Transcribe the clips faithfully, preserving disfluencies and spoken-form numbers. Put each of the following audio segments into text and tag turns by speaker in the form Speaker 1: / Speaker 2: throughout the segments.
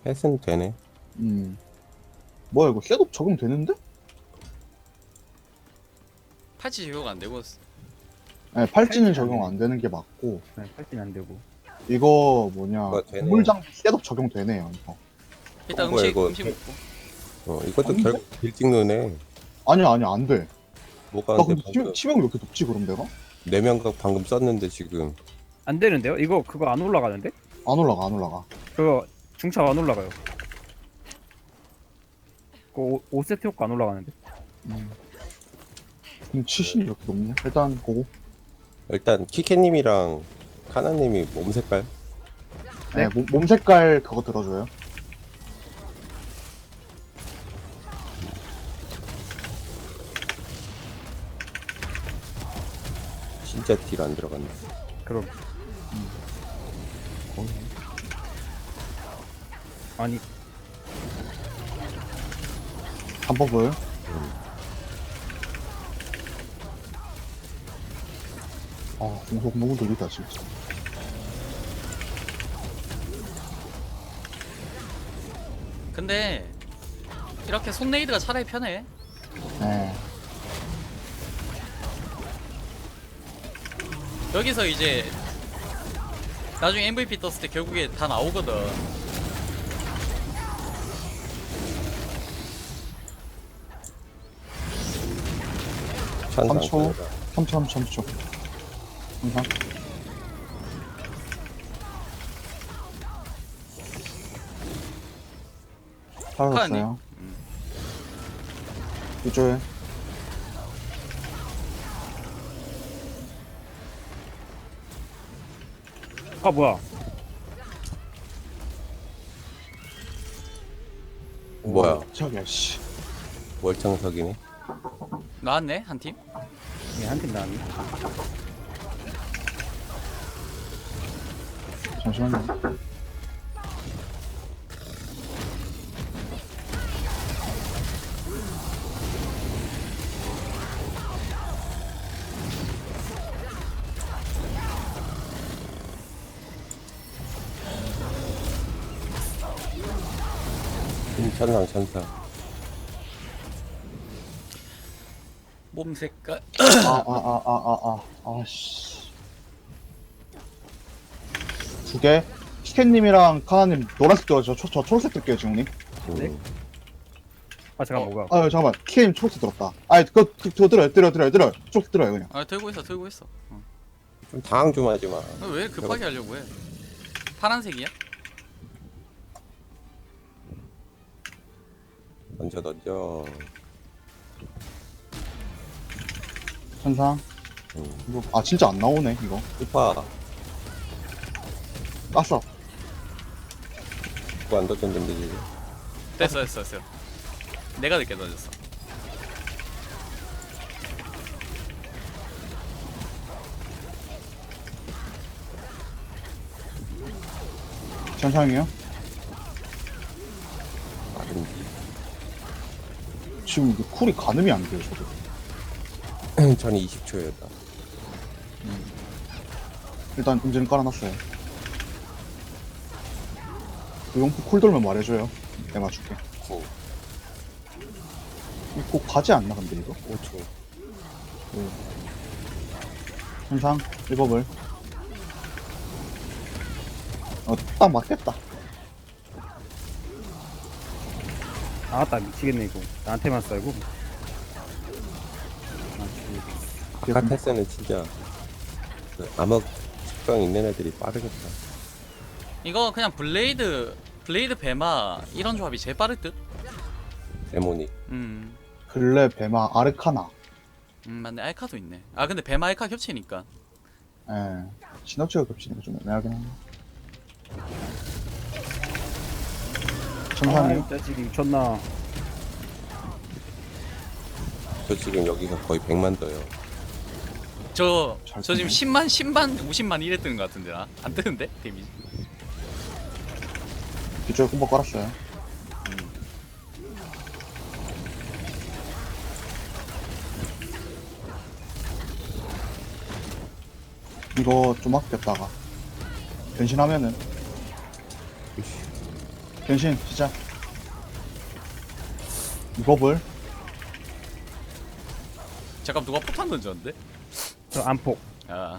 Speaker 1: 햇은 되네.
Speaker 2: 음. 뭐야 이거 셋업 적용되는데?
Speaker 3: 팔찌 적용 안 되고
Speaker 2: 네, 팔찌는
Speaker 4: 팔찌는
Speaker 2: 적용
Speaker 4: 안
Speaker 2: 안 되는 게 맞고
Speaker 4: 네, 팔찌는 안 되고.
Speaker 2: 이거 뭐냐
Speaker 1: 아, 되네.
Speaker 2: 보물장비 셋업 적용되네요 이거.
Speaker 3: 일단
Speaker 1: 어, 뭐야,
Speaker 3: 음식
Speaker 1: 이거.
Speaker 3: 음식 먹고.
Speaker 1: 어, 이것도
Speaker 2: 아닌데?
Speaker 1: 결국 딜 찍는
Speaker 2: 아니야 아니야 안돼.
Speaker 1: 뭐가
Speaker 2: 나
Speaker 1: 안 돼,
Speaker 2: 근데
Speaker 1: 방금.
Speaker 2: 치, 치명이 왜 이렇게 높지 그럼 내가?
Speaker 1: 내면각 방금 썼는데 지금.
Speaker 4: 안 되는데요? 이거 그거 안 올라가는데?
Speaker 2: 안 올라가 안 올라가.
Speaker 4: 그거 중차 안 올라가요. 그 오 세트 효과 안 올라가는데?
Speaker 2: 음. 근데 치신이 이렇게 높냐? 일단 보고.
Speaker 1: 일단 키케님이랑 카나님이 몸 색깔?
Speaker 2: 네, 몸, 몸 색깔 그거 들어줘요.
Speaker 1: 진짜 딜 안 들어갔네.
Speaker 4: 그럼 아니
Speaker 2: 한법을 아 공속 너무 느리다 진짜.
Speaker 3: 근데 이렇게 손레이드가 차라리 편해.
Speaker 2: 네.
Speaker 3: 여기서 이제 나중에 엠브이피 떴을 때 결국에 다 나오거든.
Speaker 1: 찬스
Speaker 2: 삼
Speaker 1: 안
Speaker 2: 초.
Speaker 1: 끊어라.
Speaker 2: 삼 초, 삼 초, 삼 초. 항상. 사라졌어요.
Speaker 3: 음.
Speaker 2: 이쪽에.
Speaker 4: 아 뭐야?
Speaker 1: 뭐야,
Speaker 2: 저기야, 씨.
Speaker 1: 월창석이네.
Speaker 3: 나왔네 한 팀.
Speaker 4: 예, 한팀 나왔네.
Speaker 2: 잠시만요.
Speaker 1: 음, 천상, 천상.
Speaker 3: 몸 색깔.
Speaker 2: 아, 아, 아, 아, 아, 아, 아, 씨. 두 개. 치켄님이랑 카나님 노란색 들어죠. 저, 저 초록색 들게요, 지웅님.
Speaker 1: 음.
Speaker 4: 네? 아 잠깐 뭐가?
Speaker 2: 아, 잠깐만. 키님 초록색 들었다. 아, 그거, 그, 그거 들어요, 들어요, 들어요, 들어요. 초록색 들어요, 그냥.
Speaker 3: 아 들고 있어 들고 있어. 어.
Speaker 1: 좀 당황 좀 하지 마.
Speaker 3: 너 왜 급하게 하려고 해? 파란색이야?
Speaker 1: 던져, 던져.
Speaker 2: 천상.
Speaker 1: 음.
Speaker 2: 이거, 아, 진짜 안 나오네, 이거.
Speaker 1: 스파.
Speaker 2: 깠어.
Speaker 1: 그거 안 던졌는데, 지금.
Speaker 3: 됐어 됐어 됐어. 내가 늦게 던졌어.
Speaker 2: 천상이요?
Speaker 1: 빠른지.
Speaker 2: 지금 이게 쿨이 가늠이 안 돼요, 저도.
Speaker 1: 전 이십 초였다.
Speaker 2: 일단 인증 깔아놨어요. 그 용포 쿨 돌면 말해줘요. 내가 맞출게.
Speaker 1: 구,
Speaker 2: 이거 꼭 가지 않나, 근데 이거?
Speaker 1: 오 초.
Speaker 2: 천상, 일법을. 어, 딱 맞겠다.
Speaker 4: 아따 미치겠네 이거. 나한테만 썰고.
Speaker 1: 아까 테스는 진짜 그 암흑 특성 있는 애들이 빠르겠다.
Speaker 3: 이거 그냥 블레이드 블레이드 배마 이런 조합이 제일 빠를 듯.
Speaker 1: 데모닉.
Speaker 3: 음.
Speaker 2: 근래, 배마, 아르카나.
Speaker 3: 음 맞네. 알카도 있네. 아 근데 배마 알카 겹치니까.
Speaker 2: 예. 시너지가 겹치니까 좀 애매하긴 하네. 천상이요?
Speaker 4: 아, 자식이 미쳤나?
Speaker 1: 저 지금 여기서 거의 백만 떠요.
Speaker 3: 저,
Speaker 2: 잘
Speaker 3: 저 지금
Speaker 2: 뜨네.
Speaker 3: 십만, 십만, 오십만 이래 뜨는 것 같은데, 나? 안 뜨는데? 데미지.
Speaker 2: 뒤쪽에 콤보 깔았어요. 이거 좀 아꼈다가 변신하면은 변신 시작. 이법을
Speaker 3: 잠깐 누가 포탄 던졌는데?
Speaker 4: 저 안폭.
Speaker 3: 아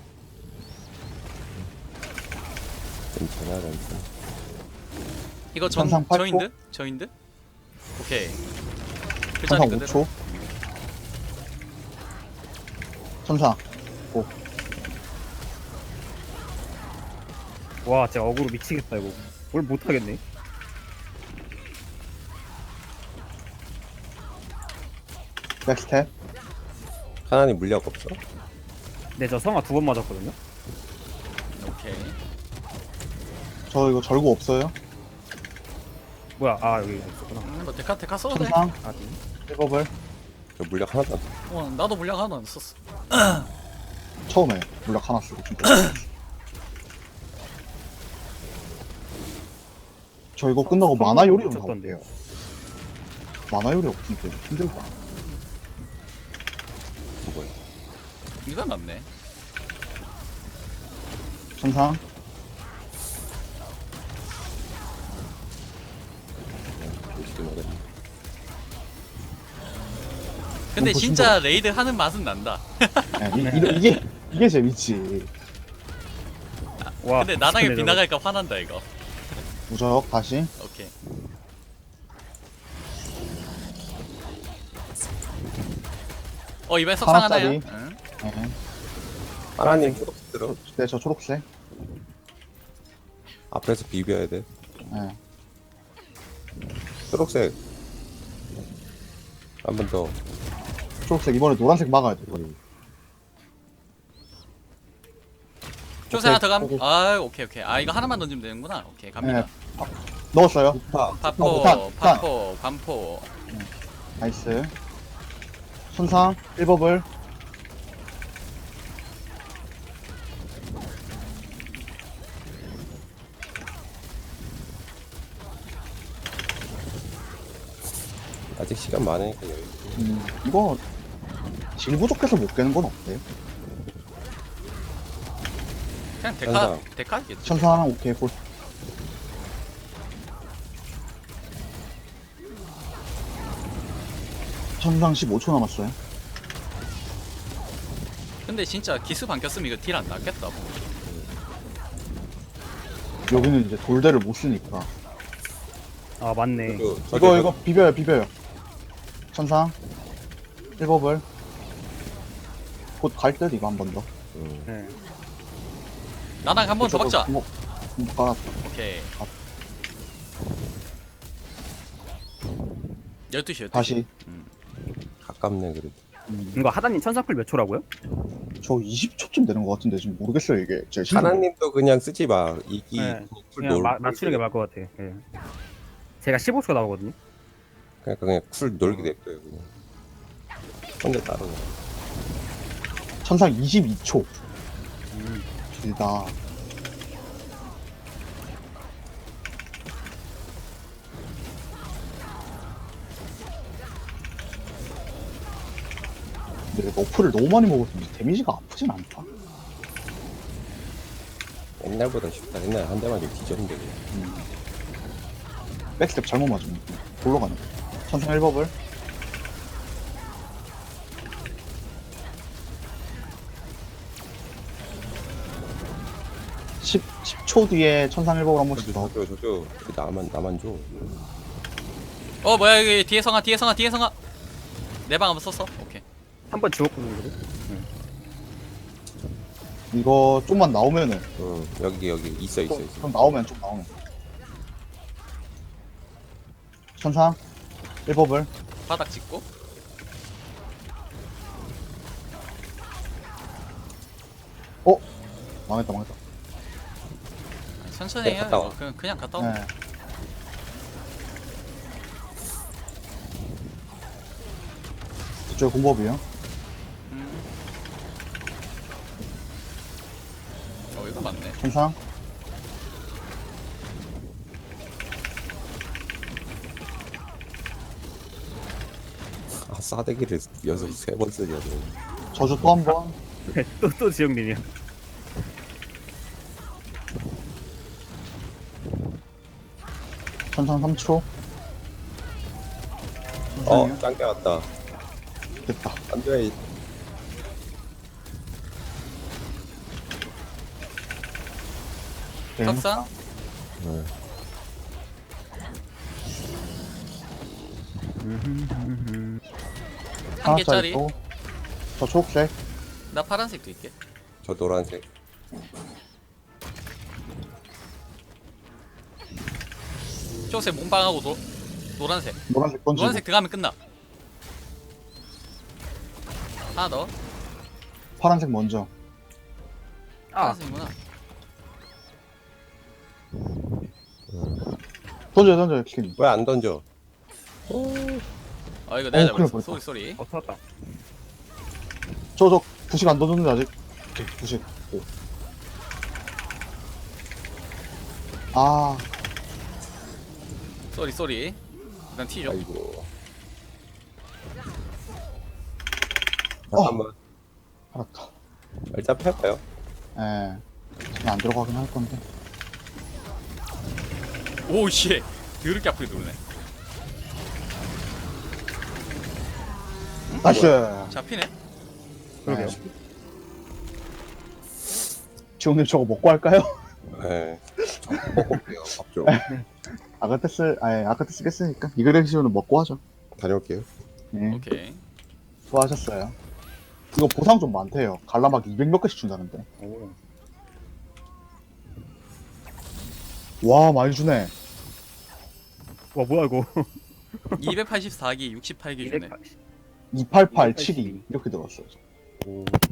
Speaker 1: 괜찮아 괜찮아.
Speaker 3: 이거 전
Speaker 2: 천상 팔 초?
Speaker 3: 저인드? 저인드? 오케이 그
Speaker 2: 천상
Speaker 3: 자리
Speaker 2: 오
Speaker 3: 그대로.
Speaker 2: 초. 천상
Speaker 4: 와, 진짜 어그로 미치겠다 이거. 뭘 못하겠네.
Speaker 2: 백스텝.
Speaker 1: 하나님 물약 없어?
Speaker 4: 네, 저 성아 두 번 맞았거든요.
Speaker 3: 오케이
Speaker 2: 저 이거 절구 없어요.
Speaker 4: 뭐야? 아 여기 있었구나.
Speaker 3: 음, 너 데카 데카 써도 돼?
Speaker 2: 천상
Speaker 4: 아, 네.
Speaker 2: 일법을
Speaker 1: 저 물약 하나도 안 써.
Speaker 3: 어 나도 물량 하나도 안 썼어.
Speaker 2: 처음에 물약 하나 쓰고 좀 저 이거 끝나고 만화 요리 좀
Speaker 4: 미쳤던데요.
Speaker 2: 가볼게요. 만화 요리 없으니까 힘들다.
Speaker 1: 뭐야?
Speaker 3: 이건 낫네.
Speaker 2: 천상
Speaker 1: 어떻게 먹었지?
Speaker 3: 근데
Speaker 2: 너무
Speaker 3: 진짜 레이드 하는 맛은 난다.
Speaker 2: 네, 이, 이, 이게 이게 재밌지.
Speaker 4: 와.
Speaker 3: 근데 나락에
Speaker 4: 미쳤네,
Speaker 3: 빗나갈까 화난다 이거.
Speaker 2: 무적 다시.
Speaker 3: 오케이. 어 이번에 석상 하나야?
Speaker 2: 하나짜리.
Speaker 3: 응?
Speaker 2: 네.
Speaker 1: 하나님 초록색 들어.
Speaker 2: 네, 저 초록색.
Speaker 1: 앞에서 비벼야 돼.
Speaker 2: 네.
Speaker 1: 초록색. 한 번 더.
Speaker 2: 초록색 이번에 노란색 막아야 돼. 이거.
Speaker 3: 초세 하나 더 감.
Speaker 2: 오케이.
Speaker 3: 아 오케이 오케이. 아 이거 하나만 던지면 되는구나. 오케이 갑니다.
Speaker 2: 네. 넣었어요.
Speaker 1: 파.
Speaker 3: 파포,
Speaker 2: 폭탄, 폭탄.
Speaker 3: 파포, 관포.
Speaker 2: 나이스. 천상 일법을
Speaker 1: 아직 시간 많으니까 여유.
Speaker 2: 음, 이거 질 부족해서 못 깨는 건 없대요.
Speaker 3: 그냥 데카
Speaker 1: 천상.
Speaker 3: 데카겠지.
Speaker 2: 천상 오케이 볼. 천상 십오 초 남았어요.
Speaker 3: 근데 진짜 기스 반겼으면 이거 딜 안 났겠다.
Speaker 2: 여기는 이제 돌대를 못 쓰니까.
Speaker 4: 아 맞네.
Speaker 1: 그,
Speaker 2: 이거 이거 비벼요 비벼요. 천상 일법을 곧 갈 듯 이거 한 번 더.
Speaker 1: 음.
Speaker 4: 네.
Speaker 3: 나랑 한 번 더 박자.
Speaker 2: 뭐, 뭐 깔았다.
Speaker 3: 오케이. 열두 시 열두 시.
Speaker 2: 다시.
Speaker 1: 가깝네 그래도.
Speaker 2: 음,
Speaker 4: 이거 하다님 천사풀 몇 초라고요?
Speaker 2: 저 이십 초쯤 되는 것 같은데 지금 모르겠어요 이게. 제 신경.
Speaker 1: 하나님도 그냥 쓰지 마. 이기
Speaker 4: 네.
Speaker 1: 쿨
Speaker 4: 그냥
Speaker 1: 놀.
Speaker 4: 마, 맞추는 게 나을 것 같아. 예. 제가 십오 초 나오거든요.
Speaker 1: 그러니까 그냥 쿨 놀게 냅둬요 그냥. 혼자 따로.
Speaker 2: 천상 이십이 초.
Speaker 4: 음.
Speaker 2: 길다. 근데 너프를 너무 많이 먹어서 데미지가 아프진 않다.
Speaker 1: 옛날보다 쉽다. 옛날에 한 대만 좀 뒤졌는데 그냥.
Speaker 2: 음. 백스텝 잘못 맞으면 골로 가네. 천상 일법을 십 초 뒤에 천상 일법을 한 번씩 더.
Speaker 1: 저저 저저 나만 나만 줘.
Speaker 3: 어 뭐야 여기 뒤에 성아 뒤에 성아 뒤에 성아. 내 방 한번 썼어. 오케이.
Speaker 4: 한 번 지웠거든요. 그래도.
Speaker 2: 이거 좀만 나오면은
Speaker 1: 응 여기 여기 있어 있어
Speaker 2: 좀,
Speaker 1: 있어.
Speaker 2: 좀 나오면 좀 나오면. 천상 일법을
Speaker 3: 바닥 찍고.
Speaker 2: 어 망했다 망했다.
Speaker 3: 천천히
Speaker 1: 네,
Speaker 3: 해요.
Speaker 1: 갔다 와.
Speaker 3: 이거. 그냥 그냥 갔다 와.
Speaker 2: 네. 이쪽 공법이요.
Speaker 3: 음. 어 이거 맞네.
Speaker 2: 천상
Speaker 1: 아 싸대기를 여섯 세 번 쓰냐 너.
Speaker 2: 저주 또 한 번.
Speaker 4: 또또 지영님이야.
Speaker 2: 천상 삼 초.
Speaker 1: 어, 짱게 왔다.
Speaker 2: 됐다.
Speaker 1: 안 돼.
Speaker 2: 네.
Speaker 3: 탑상
Speaker 1: 네.
Speaker 3: 한 개짜리.
Speaker 2: 또. 저 초록색.
Speaker 3: 나 파란색도 있게.
Speaker 1: 저 노란색.
Speaker 3: 초록색 몸빵하고 노, 노란색.
Speaker 2: 노란색 던지고.
Speaker 3: 노란색 들어가면 끝나. 하나 더.
Speaker 2: 파란색 먼저.
Speaker 4: 아,
Speaker 3: 파란색이구나.
Speaker 2: 던져요, 던져요, 킨.
Speaker 1: 왜 안 던져?
Speaker 3: 아 이거 내가
Speaker 2: 어, 큰일
Speaker 3: 잡았어.
Speaker 2: 날
Speaker 3: 쏘리 쏘리.
Speaker 4: 어, 터졌다.
Speaker 2: 저, 저, 부식 안 던졌는데, 아직. 오케이, 부식. 오. 아,
Speaker 3: 쏘리 쏘리. 일단 튀죠.
Speaker 1: 아이고.
Speaker 2: 어.
Speaker 1: 잠깐만.
Speaker 2: 알았다.
Speaker 1: 일단 펴봐요.
Speaker 2: 예. 그냥 안 들어가긴 할 건데.
Speaker 3: 오씨. 더럽게 아프게 누르네.
Speaker 2: 나이스!
Speaker 3: 잡히네.
Speaker 4: 그러게요.
Speaker 2: 네. 지훈님 저거 먹고 할까요?
Speaker 1: 네. 먹고 올게요. 밥 좀.
Speaker 2: 아가테스, 아예 아가테스 깼으니까. 이그렉시오는 먹고 하죠.
Speaker 1: 다녀올게요.
Speaker 2: 네.
Speaker 3: 오케이.
Speaker 2: 수고하셨어요. 이거 보상 좀 많대요. 갈라막 이백 몇 개씩 준다는데.
Speaker 4: 오.
Speaker 2: 와, 많이 주네.
Speaker 4: 와, 뭐야, 이거.
Speaker 3: 이백팔십사 기 육십팔 기 주네.
Speaker 4: 이백팔십.
Speaker 2: 이팔팔, 칠이. 이렇게 들어왔어요.
Speaker 4: 오.